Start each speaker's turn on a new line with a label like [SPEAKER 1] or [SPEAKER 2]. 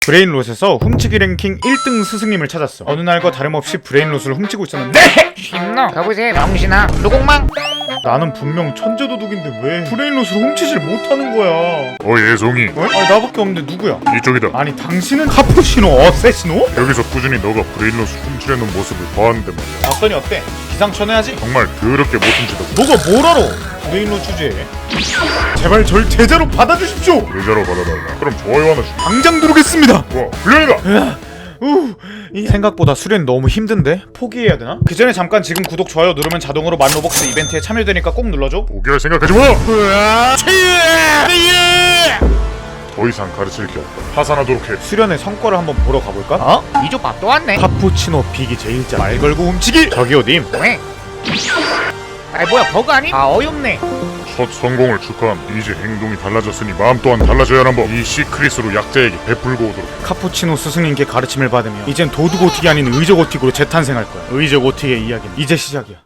[SPEAKER 1] 브레인롯에서 훔치기 랭킹 1등 스승님을 찾았어. 어느 날과 다름없이 브레인롯을 훔치고 있었는데
[SPEAKER 2] 신노 여보세요 명신아 누공망.
[SPEAKER 1] 나는 분명 천재도둑인데 왜 브레인롯을 훔치질 못하는 거야.
[SPEAKER 3] 예송이
[SPEAKER 1] 어? 아니 나밖에 없는데 누구야?
[SPEAKER 3] 이쪽이다.
[SPEAKER 1] 아니 당신은 카푸시노 어세시노?
[SPEAKER 3] 여기서 꾸준히 너가 브레인롯을 훔치려는 모습을 봐왔는데 말이야.
[SPEAKER 1] 봤더니 어때? 기상천외하지?
[SPEAKER 3] 정말 더럽게 못 훔치다고.
[SPEAKER 1] 너가 뭘 알아? 브레인롯 주제에 제발 절 제자로 받아주십시오.
[SPEAKER 3] 의자로 받아달라. 그럼 좋아요 하나 주.
[SPEAKER 1] 당장 누르겠습니다.
[SPEAKER 3] 와 불량이다.
[SPEAKER 1] 생각보다 수련 너무 힘든데? 포기해야 되나? 그 전에 잠깐 지금 구독 좋아요 누르면 자동으로 만 로벅스 이벤트에 참여되니까 꼭 눌러줘.
[SPEAKER 3] 포기할 생각하지 마. 더 이상 가르칠 게 없다. 파산하도록 해.
[SPEAKER 1] 수련의 성과를 한번 보러 가볼까?
[SPEAKER 2] 어? 이조밥 또 왔네.
[SPEAKER 1] 카푸치노 비기 제일자 말 걸고 훔치기. 저기요 님.
[SPEAKER 2] 왜? 아이 뭐야 버그 아니? 아 어이없네.
[SPEAKER 3] 첫 성공을 축하함. 이제 행동이 달라졌으니 마음 또한 달라져야 하는 법. 이 시크릿으로 약자에게 베풀고 오도록 해.
[SPEAKER 1] 카푸치노 스승님께 가르침을 받으며 이젠 도둑 오틱이 아닌 의적 오틱으로 재탄생할 거야. 의적 오틱의 이야기는 이제 시작이야.